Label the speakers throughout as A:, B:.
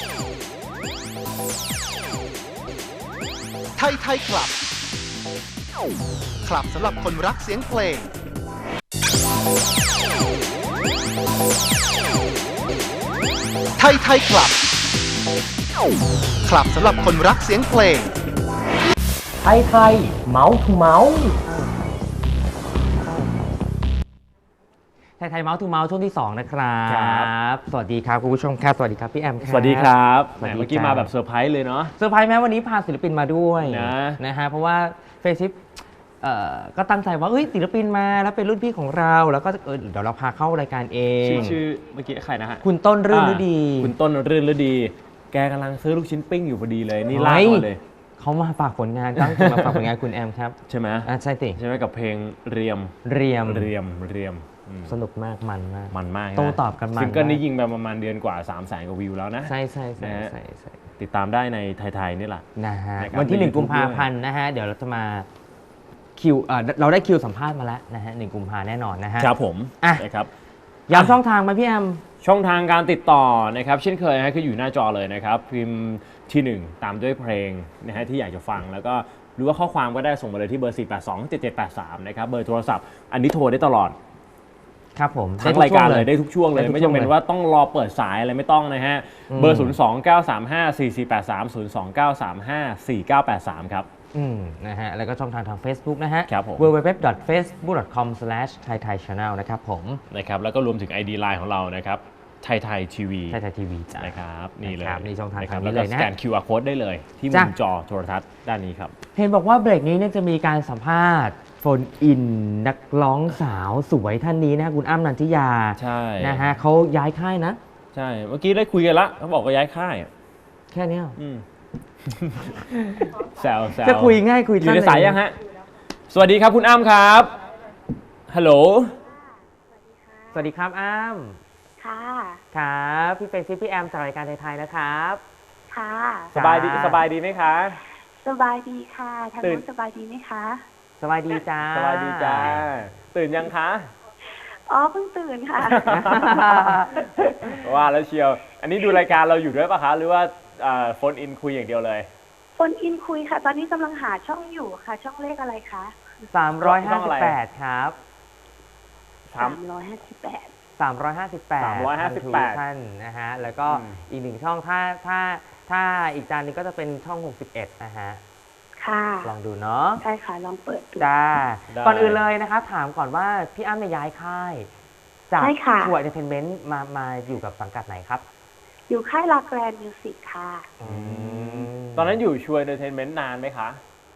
A: ไทยไทยคลับ คลับสำหรับคนรักเสียงเพลง ไทยไทยคลับ คลับสำหรับคนรักเสียงเพลง
B: ไทยไทยเมาส์ทูเมาส์ไทยไทยเมาส์ทูเมาส์ช่วงที่2นะครับสวัสดีครับคุณผู้ชมครับสวัสดีครับพี่แอมครับ
C: สวัสดีครับ
B: สวัสดี
C: เมื่อกี้มาแบบเซอร์ไพรส์เลยเนาะ
B: เซอร์ไพรส์แม้วันนี้พาศิลปินมาด้วย
C: นะ
B: ฮะเพราะว่าเฟซชิปก็ตั้งใจว่าศิลปินมาแล้วเป็นรุ่นพี่ของเราแล้วก็เดี๋ยวเราพาเข้ารายการเอง
C: ชื่อเมื่อกี้ใครนะฮะ
B: คุณต้นรื่นฤดี
C: คุณต้นรื่นฤดีแกกำลังซื้อลูกชิ้นปิ้งอยู่พอดีเลยนี่ลากมาเลย
B: เขามาฝากผลงานตั้งใจมาฝากผลงานคุณแอมครับ
C: ใช่ไหม
B: ใช่สิ
C: ใช่ไหมกับเพลงเรียม
B: สนุกมากมันมาก
C: โต้
B: ตอบกันมัน
C: ซิงเกิลนี้ยิงไปประมาณเดือนกว่า 300,000 กว่าวิวแล้วนะ
B: ใช่
C: ติดตามได้ในไทยนี่แหละ
B: นะฮะวันที่1 กุมภาพันธ์นะฮะเดี๋ยวเราจะมาคิวเราได้คิวสัมภาษณ์มาแล้วนะฮะ1 กุมภาแน่นอนนะฮะ
C: ครับผมนะครับ
B: ย้ำช่องทางมาพี่แอม
C: ช่องทางการติดต่อนะครับเช่นเคยนะคืออยู่หน้าจอเลยนะครับพิมพ์ที่1ตามด้วยเพลงนะฮะที่อยากจะฟังแล้วก็หรือว่าข้อความก็ได้ส่งมาเลยที่เบอร์4827783นะครับเบอร์โทรศัพท์อันนี้โทรได้ตลอด
B: ครับผม
C: ทั้งรายการเลยได้ทุกช่วงเลยไม่จำเป็นว่าต้องรอเปิดสายอะไรไม่ต้องนะฮะเบอร์029354483 029354983ครับ
B: นะฮะแล้วก็ช่องทาง Facebook นะฮะ
C: www.facebook.com/thaithaichannel
B: นะครับผม
C: นะครับแล้วก็รวมถึง ID Line ของเรานะครับไทยทีวี
B: จ้ะ
C: นะครับนี่เลย
B: นี่ช่องทางนี้
C: เลยนะแล้วก็สแกน QR Code ได้เลยที่มุมจอโทรทัศน์ด้านนี้ครับ
B: เห็นบอกว่าเบรกนี้เนี่ยจะมีการสัมภาษณ์โฟนอินนักร้องสาวสวยท่านนี้นะคุณอ้ำนันทิยา
C: ใช่
B: นะฮะเขาย้ายค่ายนะ
C: ใช่เมื่อกี้ได้คุยกันละเขาบอกว่าย้ายค่าย
B: แค่นี้
C: แซว
B: จะคุยง่ายคุย
C: อยู่ในสายยังฮะสวัสดีครับคุณอ้ำครับฮัลโหล
B: สวัสดีครับอ้ำครับพี่เป็นซิพี่แอมจากรายการไทยๆนะครับ
D: ค่ะ
C: สบายดีไหมคะ
D: สบายดีค่ะทางนู้นสบายดีไหมคะ
B: สบายดีจ้า
C: สบายดีจ้าตื่นยังคะ
D: เพิ่งตื่นค่ะ
C: ว่าแล้วเชียวอันนี้ดูรายการเราอยู่ด้วยป่ะคะหรือว่าโฟนอินคุยอย่างเดียวเลย
D: โฟนอินคุยค่ะตอนนี้กำลังหาช่องอยู่ค่ะช่องเลขอะไรคะ
B: 358ครับ
D: 358
B: ท่านนะฮะแล้วก็อีก1ช่องถ้าอีกจานนึงก็จะเป็นช่อง61นะฮะ
D: ค่ะ
B: ลองดูเนาะ
D: ใช่ค่ะลองเปิดดู
B: จ้าก่อนอื่นเลยนะคะถามก่อนว่าพี่อ้ำย้ายค่ายจากทัวร์เอนเตอร์เทนเมนต์มาอยู่กับสังกัดไหนครับ
D: อยู่ค่ายลาแกรนมิวสิกค่ะ
C: ตอนนั้นอยู่ชัวร์เอนเตอร์เทนเมนต์นานไหมคะ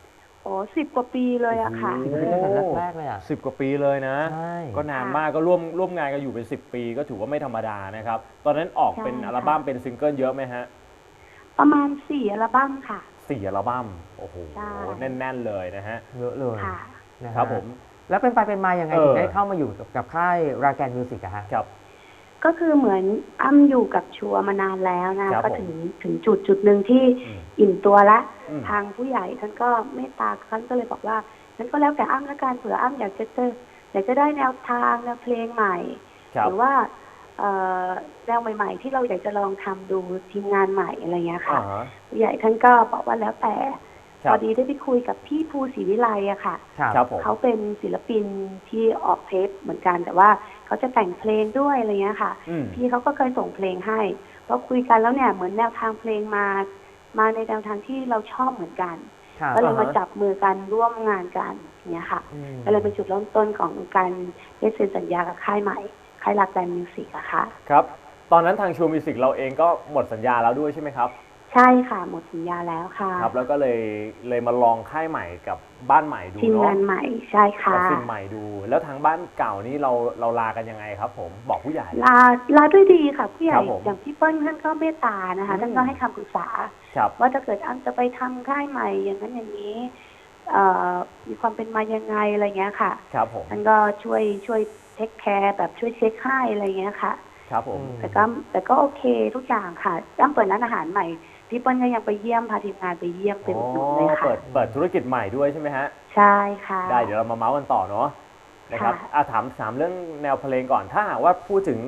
D: 10 กว่าปีเลยอะค่ะ
B: แรกเลยอะ
C: 10 กว่าปีเลยนะก็นานมากก็ร่วมงานกันอยู่เป็น10 ปีก็ถือว่าไม่ธรรมดานะครับตอนนั้นออกเป็นอัลบั้มเป็นซิงเกิลเยอะไหมฮะ
D: ประมาณ4 อัลบั้มค่ะ
C: 4 อัลบั้มโอ้โหแน่นๆเลยนะฮะ
B: เยอะเลย
C: ครับผม
B: แล้วเป็นมายังไงถึงได้เข้ามาอยู่กับค่ายราแกนมิวสิกอะฮะ
C: ครับ
D: ก็คือเหมือนอ้ำอยู่กับชัวร์มานานแล้วนะก็ถึงจุดหนึ่งที่อิ่มตัวละทางผู้ใหญ่ท่านก็เมตตาท่านก็เลยบอกว่างั้นก็แล้วแต่อ้ำละกันเผื่ออ้ำอยากจะได้แนวทางแนวเพลงใหม่หรือว่าแนวใหม่ๆที่เราอยากจะลองทำดูทีมงานใหม่อะไรเงี้ยค่ะผู้ใหญ่ท่านก็บอกว่าแล้วแต่พอดีได้ไปคุยกับพี่ภูศรีวิไลอะค่ะเขาเป็นศิลปินที่ออกเทปเหมือนกันแต่ว่าเขาจะแต่งเพลงด้วยอะไรเงี้ยค่ะพี่เขาก็เคยส่งเพลงให้พอคุยกันแล้วเนี่ยเหมือนแนวทางเพลงมาในแนวทางที่เราชอบเหมือนกันก็เลยมาจับมือกันร่วมงานกันเนี่ยค่ะก็เลยเป็นจุดเริ่มต้นของการได้เซ็นสัญญากับค่ายใหม่ค่ายรักแกรนมิวสิกอะค่ะ
C: ครับตอนนั้นทางชัวร์มิวสิกเราเองก็หมดสัญญาแล้วด้วยใช่ไหมครับ
D: ใช่ค่ะหมดสัญญาแล้วค่ะ
C: ครับแล้วก็เลยมาลองค่ายใหม่กับบ้านใหม่ดูเนาะ
D: ทีมงานใหม่ใช่ค่ะ
C: สิ่งใหม่ดูแล้วทางบ้านเก่านี้เราลากันยังไงครับผมบอกผู้ใหญ่
D: ลาด้วยดีค่ะผู้ใหญ่อย่างพี่เปิ้ลท่านก็เมตตานะคะท่านก็ให้คำปรึกษาว่าถ้าเกิดอ้ำจะไปทำค่ายใหม่อย่างนั้นอย่างนี้มีความเป็นมายังไงอะไรเงี้ยค่ะ
C: ครับผม
D: ท่านก็ช่วยเทคแคร์แบบช่วยเช็คให้อะไรเงี้ยค่ะ
C: ครับผม
D: แต่ก็โอเคทุกอย่างค่ะอ้ำเปิดร้านอาหารใหม่พี่เปิ้ลก็ยังไปเยี่ยมพาทีมงานไปเยี่ยมเป็นหนุนเลยค่ะ
C: เปิดธุรกิจใหม่ด้วยใช่ไหมฮะ
D: ใช่ค่ะ
C: ได้เดี๋ยวเรามาเมาส์กันต่อเนาะนะครับถามเรื่องแนวเพลงก่อนถ้าหากว่าพูดถึง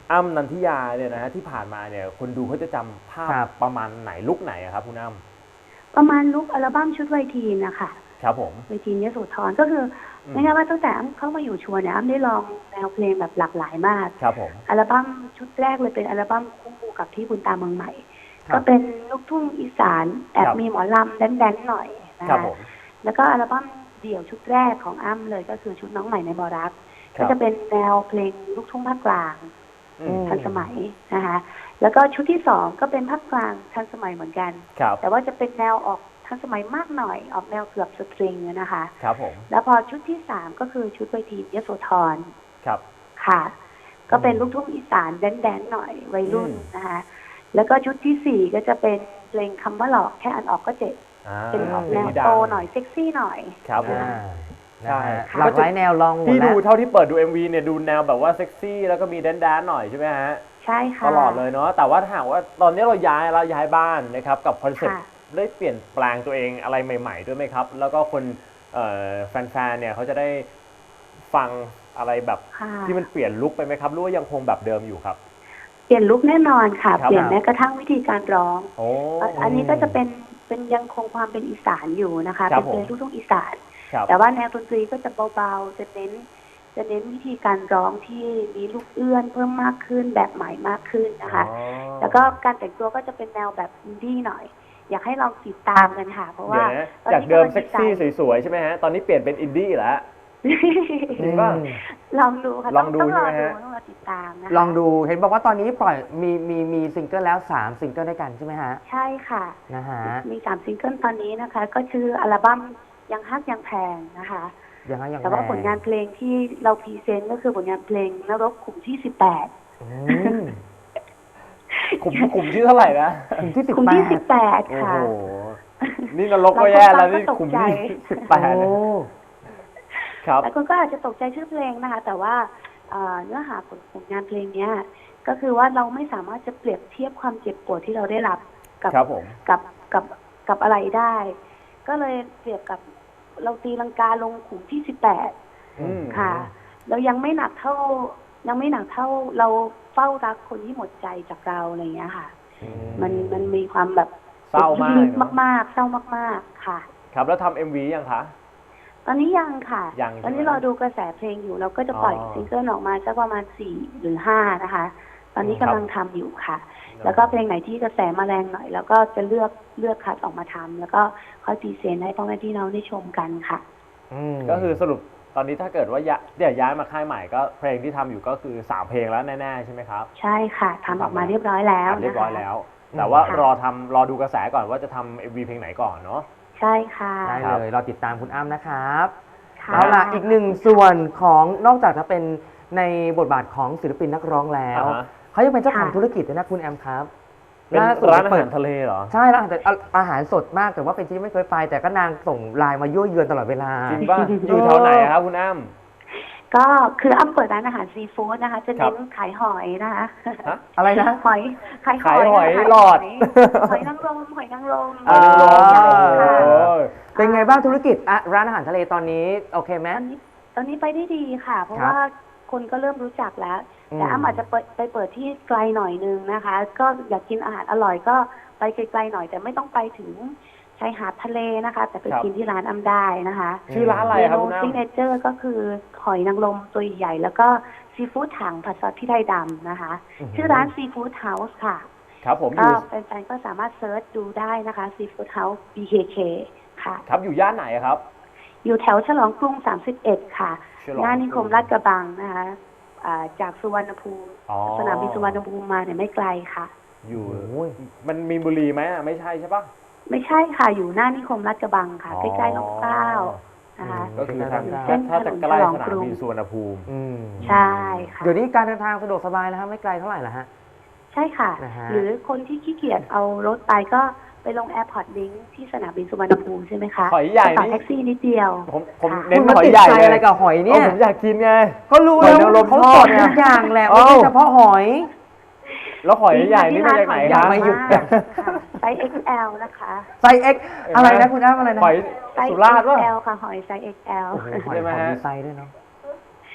C: อ้ำนันทิยาเนี่ยนะฮะที่ผ่านมาเนี่ยคนดูเขาจะจำภาพ
B: ครับ
C: ประมาณไหนลุคไหนอะครับคุณอ้ำ
D: ประมาณลุกอัลบั้มชุดไวทีนนะคะ
C: ครับผม
D: ไวทีนยโสธรก็คือไม่ใช่ว่าตั้งแต่อ้ำเข้ามาอยู่ชัวร์เนี่ยอ้ำได้ลองแนวเพลงแบบหลากหลายมาก
C: ครับผม
D: อัลบั้มชุดแรกเลยเป็นอัลบั้มคู่กับที่บุญตาเมืองใหม่
B: ครับ
D: ก็เป็นลูกทุ่งอีสานแอบ
C: ครับ
D: มีหมอลำแดนๆหน่อยนะ
C: ครับ
D: คะ
C: ผม
D: แล้วก็อัลบั้มเดี่ยวชุดแรกของอ้ำเลยก็คือชุดน้องใหม่ในบอรัก
C: ครั
D: ก็
C: บ
D: จะเป็นแนวเพลงลูกทุ่งภาคกลาง
C: อืม
D: ทันสมัยนะคะแล้วก็ชุดที่สองก็เป็นภาคกลางทันสมัยเหมือนกัน
C: ครับ
D: แต่ว่าจะเป็นแนวออกทันสมัยมากหน่อยออกแนวเกือบสตริงนะคะ
C: ครับผม
D: แล้วพอชุดที่สามก็คือชุดเวทียโสธร
C: ครับ
D: ค่ะ ก็เป็นลูกทุ่งอีสานแดนๆหน่อยวัยรุ่น
C: อืม
D: นะคะแล้วก็ชุดที่สี่ก็จะเป็นเพลงคำว่าหลอกแค่อันออกก็เจ็บ เป็นออกแนว
C: เพลงที่ดัง
D: โตหน่อยเซ็กซี่หน่อย
C: ครับผม
B: อ่า
C: ใช่
B: นะฮะหลากหลายแนวลองหมด
C: ที่
B: แล้
C: ดู
B: ว
C: เท่าที่เปิดดู MV เนี่ยดูแนวแบบว่าเซ็กซี่แล้วก็มีแดนๆหน่อยใช่ไหมฮะ
D: ใช่ค่ะ
C: ตลอดเลยเนาะแต่ว่าถ้าหากว่าตอนนี้เราย้ายบ้านนะครับกับคอนเซ็ปต์
D: ค่ะ
C: ได้เปลี่ยนแปลงตัวเองอะไรใหม่ ๆ ด้วยไหมครับ แล้วก็คนแฟนๆเนี่ยเขาจะได้ฟังอะไรแบบ
D: ค่ะ
C: ที่มันเปลี่ยนลุคไปไหมครับหรือว่ายังคงแบบเดิมอยู่ครับ
D: เปลี่ยนลุคแน่นอนค่ะ
C: ครับ
D: เปลี่ยนแม้กระทั่งวิธีการร้อง
C: โอ้
D: อันนี้ก็จะเป็นยังคงความเป็นอีสานอยู่นะคะ
C: ครั
D: เป็
C: บ
D: นเพลง
C: ผม
D: ลูกทุ่งอีสาน
C: ครับ
D: แต่ว่าแนวดนตรีก็จะเบาๆจะเน้นวิธีการร้องที่มีลูกเอื้อนเพิ่มมากขึ้นแบบใหม่มากขึ้นนะคะ
C: อ๋อ
D: แล้วก็การแต่งตัวก็จะเป็นแนวแบบอินดี้หน่อย อยากให้ลองติดตามกันค่ะ เพราะว่า
C: เดี๋ยวนะ
D: ตอน
C: จาก
D: นี้
C: เดิม
D: กำลัง
C: เซ็กซี่
D: ดีไซน์
C: สวยๆใช่ไหมฮะตอนนี้เปลี่ยนเป็นอินดี้แล้ว จริงป่ะ
D: ลองดูค่ะ
C: ลองดู
D: ต้องรอ
C: ใช่ไหม
D: ดู
C: ฮะ
D: ต้องรอติดตามนะคะ
B: ลองดูเห็นบอกว่าตอนนี้ปล่อยมีซิงเกิลแล้ว3ซิงเกิลด้วยกันใช่ไหมฮะ
D: ใช่ค่ะ
B: นะฮะ
D: มี3ซิงเกิลตอนนี้นะคะ ก็ชื่ออัลบั้มยังฮักยังแพงนะคะ
B: ยังไงยังไง
D: แต่ว่าผลงานเพลงที่เราพรีเซนต์ก็คือผลงานเพลงนรกขุมที่ 18
B: อืม
C: ขุมที่เท่าไหร่นะ
B: กลุ่มที่
D: ขุมที่
C: โอ้
D: 18 ค่ะ
C: โห นี่นรกก็แย่แล้วนี่ขุมที่
B: โอ้
C: 18ครับ
D: แต่คนก็อาจจะตกใจชื่อเพลงนะคะ แต่ว่าเนื้อหาผลงานเพลงเนี้ยก็คือว่าเราไม่สามารถจะเปรียบเทียบความเจ็บปวดที่เราได้รับกับ
C: ครับผม
D: กับอะไรได้ ก็เลยเปรียบกับเราตีลังกาลงขุมที่
C: อืม
D: 18 ค่ะ เรายังไม่หนักเท่าเราเฝ้ารักคนที่หมดใจจากเราอะไรอย่างเงี้ยค่ะ มันมีความแบบ
C: เศร้ามาก
D: ลึก
C: เนอะ
D: ๆมากๆเศร้ามากๆค่ะ
C: ครับแล้วทำ MV ยังคะ
D: ตอนนี้ยังค่ะ
C: ยังใช่ไหม
D: ตอนนี้รอดูกระแสเพลงอยู่ เราก็จะปล่อย
C: อ๋อ
D: ซิงเกิลออกมาสักประมาณ4 หรือ 5 นะคะ ตอนนี้
C: ครั
D: กำ
C: บ
D: ลังทำอยู่ค่ะ แล้วก็เพลงไหนที่กระแสมาแรงหน่อย แล้วก็จะเลือกคัดออกมาทำแล้วก็ค่อยพรีเซนต์ให้พ่อแม่พี่น้องได้ชมกันค่ะ
C: ก็คือสรุปตอนนี้ถ้าเกิดว่าย้ายมาค่ายใหม่ก็เพลงที่ทำอยู่ก็คือ3เพลงแล้วแน่ๆใช่ไหมครับ
D: ใช่ค่ะทำออกมาเรียบร้อยแล้ว
C: เรีย
D: นะ
C: บร้อย
D: คะ
C: แล้ว แต่ว่า
D: ค่ะ
C: รอดูกระแสก่อนว่าจะทำ MV เพลงไหนก่อนเนาะ
D: ใช่ค่ะ
B: ได้เลยรอติดตามคุณอ้ำนะครับ
D: ค่ะ
B: เอาล่ะอีกหนึ่งส่วนของนอกจากจะเป็นในบทบาทของศิลปินนักร้องแล้ว
C: อ่าฮะ
B: เขายังเป็นเจ้าของ
D: ค่ะ
B: ธุรกิจด้วยนะคุณแอมครับ
C: เป็น
B: ล่สุด
C: ร้านอา
B: เปิ
C: หา
B: ด
C: รทะเลเหรอ
B: ใช่ร้านอาหารสดมากแต่ว่าเป็นที่ไม่เคยไป แต่ก็นางส่งไลน์มายั่วเยือนตลอดเวลา
C: จริงป่ะ อยู่แถวไหนอะครับคุณอ้ำ
D: ก็คืออ้ำเปิดร้านอาหารซีฟู้ดนะคะ จะ
C: ครั
D: เน้
C: บ
D: นขายหอยนะคะ
C: ฮะ
B: อะไรนะ
D: หอยขาย
C: ขายหอย
D: นะคะ
C: หลอด
D: หอยนางรมหอยนางรม
B: อ่า
C: โอ้
D: ใหญ่ค่ะ
C: โห
B: เป็นไงบ้างธุรกิจร้านอาหารทะเลตอนนี้โอเคไหม
D: ตอนนี้ไปได้ดีค่ะ เพราะ
B: ครับ
D: ว่าคนก็เริ่มรู้จักแล้ว แต่
B: อืม
D: อ้ำอาจจะไปเปิดที่ไกลหน่อยนึงนะคะ ก็อยากกินอาหารอร่อยก็ไปไกลๆหน่อย แต่ไม่ต้องไปถึงชายหาดทะเลนะคะ แต่ไป
C: ครับ
D: กินที่ร้านอ้ำได้นะคะ
C: ชื่อร้านอะไร
D: เม
C: ครับ
D: นู
C: คุณอ้ำ
D: ซิกเนเจอร์ก็คือหอยนางรมตัวใหญ่แล้วก็ซีฟู้ดถังผัดซอสพริกไทยดำนะคะ ชื่อร้านซีฟู้ดเฮาส์ค่ะ
C: ครับผมอ
D: ก็
C: ยู่
D: แฟนๆก็สามารถเซิร์ชดูได้นะคะซีฟู้ดเฮาส์ BKK ค่ะ
C: ครับอยู่ย่านไหนอะครับ
D: อยู่แถวฉลองกรุง 31 ค่ะ
C: ฉลองกรุง
D: หน้านิคมลาดกระบังนะคะจากสุวรรณภูมิ
C: อ๋อ
D: สนามบินสุวรรณภูมิมาเนี่ยไม่ไกลค่ะ
C: อยู่
B: โอ้ย
C: มันมีนบุรีไหมอะไม่ใช่ใช่ปะ
D: ไม่ใช่ค่ะ อยู่หน้านิคมลาดกระบังค่ะ
C: อ๋อ
D: ใกล้ๆลมเกล้านะคะ
C: ก็คือทาง
D: เส้น
C: ถ้าจะใกล้
D: ถนนฉลอง
C: สนาม
D: กรุง
C: บินสุวรรณภูมิ
B: อืม
D: ใช่ค่ะ
B: เดี๋ยวนี้การเดินทางสะดวกสบายแล้วฮะไม่ไกลเท่าไหร่ละฮะ
D: ใช่ค่ะ
B: นะฮะ
D: หรือคนที่ขี้เกียจเอารถไปก็ไปลงแอร์พอร์ตลิงก์ที่สนามบินสุวรรณภูมิใช่ไหมคะ
C: หอยใหญ่
D: ก็ต่อ
C: นี่
D: แท็กซี่นิดเดียว
C: ผม
D: ค่ะ
C: เน้น
B: คุณมา
C: หอย
B: ติด
C: ใหญ่
B: ใจ
C: เลย
B: อะไรกับหอยเนี่ย
C: ผมอยากกินไง
B: ก็รู้
C: หอย
B: แล้ว
C: นางรม
B: เขา
C: ท
B: ส
C: อ
B: อ
C: ด
B: น
C: เนี่ย
B: ทุกอย่างแหละ
C: เอ้า
B: ไม่ใช่เฉพาะหอย
C: แล้วหอยใหญ่นี่มาจากไหน
B: อ
C: ค
B: ย่า
C: รับ
B: มาหยุด
D: ค่ะไซส์ XL นะคะ
B: ไซส์ X อะไรนะคุณอ้ำอะไรนะ
C: หอย
D: ไซส์
C: สุราษฎร์ป่ะ
D: XL ค่ะหอยไซส์ XL
B: โอ้โหหอย
C: ใช่ไหม
B: ของ
C: ฮะ
B: มีไซส์ด้วยเนาะ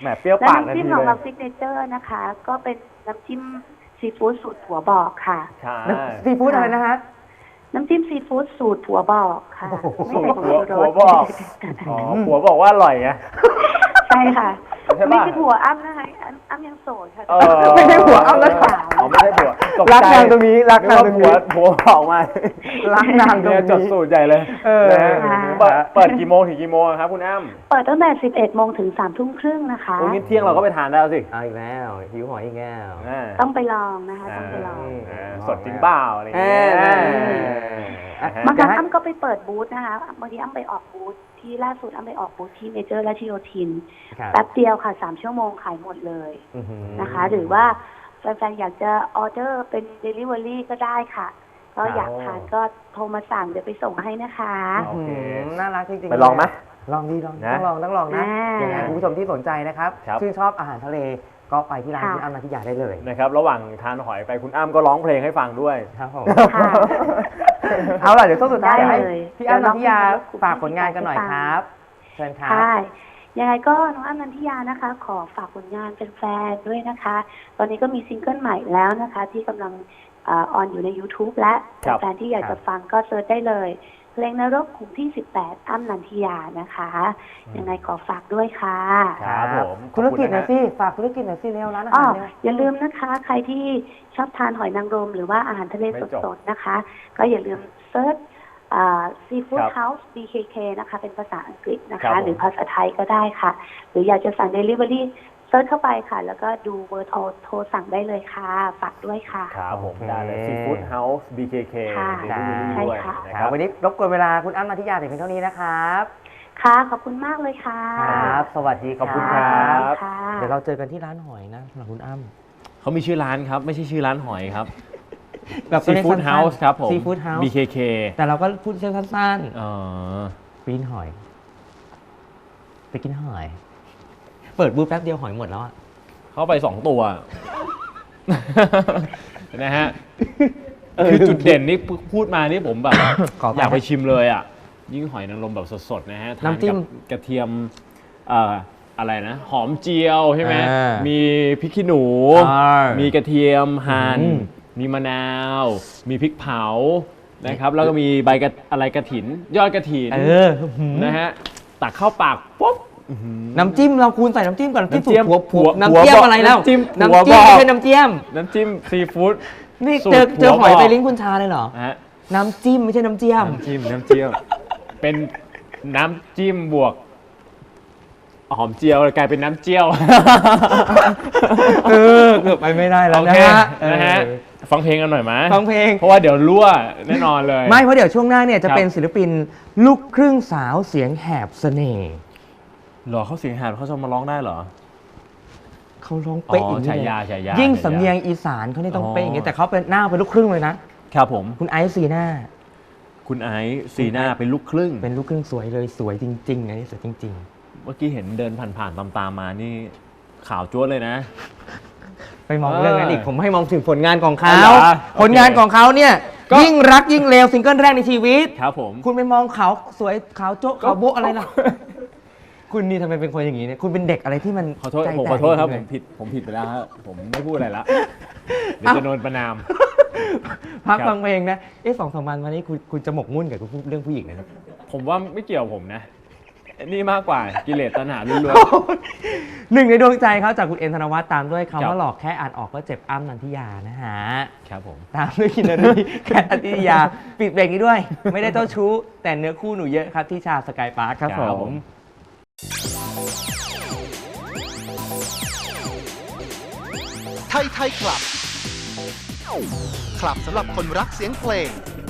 C: แหมเปรี้ยว
D: และ
C: ปากทัน
D: น้ำจิ้ม
C: ที
D: ของ
C: เล
D: เรา
C: ย
D: ซิกเนเจอร์นะคะ ก็เป็นน้ำจิ้มซีฟู้ดสูตรผัวบอกค่ะ
C: ใช่
B: ซีฟู้ดอะไรนะฮะ
D: น้ำจิ้มซีฟู้ดสูตรผัวบอกค่ะ ไม่ใส่ผงชูร
C: ผัว
D: ส
C: บอก อ๋อผัวบอกว่าอร่อยไง
D: ใช่ค่ะ
C: ใช่ปะ
D: ไม่ใช่ผัวอ้ำนะคะอ้ำยังโสดค่ะ
B: ไม่ใช่ผัวอ้ำนะ
D: สาว
C: อ๋อไม่ใช่ผัวตกใจ
B: รักนางตรงนี้รักนางตรงนี้
C: นึกว่าผัวบอกมา
B: รักนางตรงนี้
C: เนี่ยจดสูตรใหญ่เลย
B: นะ
C: ฮะเปิดกี่โมงถึงกี่โมงครับคุณอ้ำ
D: เปิดตั้งแต่ 11 โมงถึง 3 ทุ่มครึ่งนะคะ
C: โอ้งี้เที่ยงเราก็ไปทานได้แล้วสิ
B: เอาอีกแล้วหิวหอยอีกแล้ว
C: อ่า
D: ต้องไปลองนะคะ ต้องไปลอง
C: สดจริงเปล่าอะไรอย่างเงี้ย
D: บางครั้งอ้ำก็ไปเปิดบูธนะคะบางทีอ้ำไปออกบูธที่ล่าสุดอ้ำไปออกบูธที่เมเจอร์และที่โยธิน
B: ครับ
D: แป๊บเดียวค่ะ 3 ชั่วโมงขายหมดเลย
B: อื้อหือ
D: นะคะ หรือว่าแฟนๆอยากจะออเดอร์เป็น Delivery ก็ได้ค่ะ ก็อยากทานก็โทรมาสั่งเดี๋ยวไปส่งให้นะคะ
C: โอเค
B: น่ารักจริงๆ
C: ไปลองไหม
B: ลองดีลอง
C: นะ
B: ต้องลองนะ
D: อ่า
B: ยังไงคุณผู้ชมที่สนใจนะครับ
C: ครับ
B: ชื่นชอบอาหารทะเลก็ไปที่ร้าน
D: ค่ะ
B: คุณอ้ำนันทิยาได้เลย
C: นะครับระหว่างทานหอยไปคุณอ้ำก็ร้องเพลงให้ฟังด้วย
B: ครับผม
D: ค่ะ
B: เอาล่ะเดี๋ยวช่วงสุดท้าย
D: ได้
B: ให้
D: เลย
B: พี่อ้ำนันทิยา
D: เดี๋ยวน้องคุณ
B: ฝากผลงานกันหน่อยครับเชิญครับ
D: ค่ะยังไงก็น้องอ้ำนันทิยานะคะ ขอฝากผลงานเป็นแฟนๆด้วยนะคะ ตอนนี้ก็มีซิงเกิลใหม่แล้วนะคะ ที่กำลังออนอยู่ใน YouTube และ
C: ครับ
D: แฟนๆที่อยากจะฟังก็เซิร์ชได้เลย เพลงนรกขุมที่ 18 อ้ำนันทิยานะคะ ยังไงขอฝากด้วยค่ะ
C: ครับผม
B: ธุรกิจหน่อย
C: ขอบ
B: สิฝากธุรกิจหน่อยสิเร็วร้านอา
D: อ๋อ
B: หารเร็ว
D: อย่าลืมนะคะ ใครที่ชอบทานหอยนางรมหรือว่าอาหารทะเล
C: ไม่จบ
D: สดๆนะคะ ก็อย่าลืมเซิร์ชSeafood
C: ครับ
D: House BKK นะคะ เป็นภาษาอังกฤษนะ
C: ครั
D: คะ
C: บผม
D: หรือภาษาไทยก็ได้ค่ะ หรืออยากจะสั่ง Delivery เซิร์ชเข้าไปค่ะ แล้วก็ดูเบอร์โทรสั่งได้เลยค่ะ ฝากด้วยค่ะ
C: ครับผม
B: โอเค
C: ได้เลย Seafood House BKK
D: ค่ะ
C: Delivery
D: ใช่
C: ด้วย
D: ค่ะ
C: นะ
B: ค
C: ค
B: รั
C: รั
B: บบ วันนี้รบกวนเวลาคุณอ้ำนันทิยาแต่เพียงเท่านี้นะครับ
D: ค่ะ ขอบคุณมากเลยค่ะ
B: ครับ สวัสดี
C: ขอบคุณครับ
D: ค่ะ
B: เดี๋ยวเราเจอกันที่ร้านหอยนะสำหรับคุณอ้ำ
C: เขามีชื่อร้านครับ ไม่ใช่ชื่อร้านหอยครับ
B: แบบตัวเลข
C: Seafood
B: สั้นๆ
C: House ครับผม
B: Seafood House
C: BKK
B: แต่เราก็พูดสั้น
C: อ๋อ
B: ๆปีนหอย ไปกินหอย เปิดบูธแป๊บเดียวหอยหมดแล้วอะ
C: เข้าไป 2 ตัว นะฮะ คือจุดเด่นนี่พูดมานี่ผมแบบ
B: ขอไป
C: อยากไปชิมเลยอ่ะ ยิ่งหอยนางรมแบบสดๆนะฮะทาน
B: น้ำจิ้
C: กั
B: ม
C: กระเทียมอะไรนะ หอมเจียวใช่ไหม
B: อ่ามี
C: มีพริกขี้หนู มีกระเทียมหั่น
B: อืม
C: มีมะนาว มีพริกเผานะครับ แล้วก็มีใบอะไรกระถิน ยอดกระถิน นะฮะตักเข้าปากปุ๊บ
B: น้ำจิ้มเราคูณใส่น้ำจิ้มก่อนน้ำจิ้ม
C: น้ำจิ้ม
B: ผัว
C: หัว
B: น้ำเจี้ยม
C: บอก
B: อะไรแล้ว
C: น้ำจิ้ม
B: น้ำ
C: หัว
B: จิ้ม
C: บอก
B: ไม่ใช่น้ำเจี้ยม
C: น้ำจิ้มซีฟู้ด
B: นี่
C: สูตร
B: เจอหอย
C: หัวบอก
B: ไปลิ้นคุณชาเลยเหรอ
C: นะฮะ
B: น้ำจิ้มไม่ใช่น้ำเจี้ยม
C: น้ำจิ้มเป็นน้ำจิ้มบวกหอมเจียวกลายเป็นน้ำเจียว
B: เกือบไปไม่ได้แล้ว
C: โอ
B: นะ
C: เค
B: ฮะ
C: นะฮะฟังเพลงกันหน่อยไหม
B: ฟังเพลง
C: เพราะว่าเดี๋ยวรั่วแน่นอนเลย
B: ไม่เพราะเดี๋ยวช่วงหน้าเนี่ยจะ
C: ครับ
B: เป็นศิลปินลูกครึ่งสาวเสียงแหบเสน่ห์
C: เหรอเขาเสียงหาดเขาจะมาร้องได้เหรอ
B: เขาร้องเป๊ะ
C: อ๋อ
B: อย่างนี้
C: ฉายา
B: เลย
C: ฉายา
B: ยิ่ง
C: ฉายา
B: สำเนียงอีสานเขานี่ต้อง
C: อ๋อ
B: เป๊ะอย่างนี้แต่เขาเป็นหน้าเป็นลูกครึ่งเลยนะครับ
C: ผม
B: คุณไอซ์ซีน่า
C: คุณไอซ์ซีน่าเป็นลูกครึ่ง
B: เป็นลูกครึ่งสวยเลยสวยจริงๆอันนี้สวยจริง
C: เมื่อกี้เห็นเดินผ่านๆตามๆมานี่ข่าวจ้วดเลยนะ
B: ๆ ไปมองเรื่องนั้นอีกผมให้มองถึงผลงานของเขา
C: อ๋อเหรอ
B: ผลงานของเขาเนี่ย
C: ก็
B: ยิ่งรักยิ่งเลวซิงเกิลแรกในชีวิต
C: ครับผม
B: คุณไปมองเขาสวยขาวโจ๊ะขาวโบ๊ะอะไรล่ะ คุณนี่ทำไมเป็นคนอย่างนี้เนี่ยคุณเป็นเด็กอะไรที่มัน
C: ขอโทษ
B: ใจ
C: ผม
B: แตก
C: ขอโทษครับ
B: จ
C: ผ
B: งๆ
C: ม
B: เลย
C: ผิดไปแล้วครับผมไม่พูดอะไรละเดี๋ยวจะโดนประนาม
B: พัก
C: ครับ
B: ฟังเพลงนะ2-3 วันมานี้คุณจะหมกมุ่นกับเรื่องผู้หญิงนะ
C: ผมว่าไม่เกี่ยวผมนะ นี่มากกว่ากิเลสตัณหาล้วน
B: หนึ่งในดวงใจเขาจากคุณเอ็นธนวัฒน์ตามด้วย
C: ครั
B: คำ
C: บ
B: ว่าหลอกแค่อ่านออกก็เจ็บอ้ำนันทิยานะฮะ
C: ๆครับผม
B: ตามด้วยคินนารีแคทอธิยา ปิดเบรกนี้ด้วย ไม่ได้เจ้าชู้ แต่เนื้อคู่หนูเยอะครับที่ชาสกายพาร์คครับ
C: ครับ
B: ผ
C: ผม ม
A: ไทยคลับ คลับสำหรับคนรักเสียงเพลง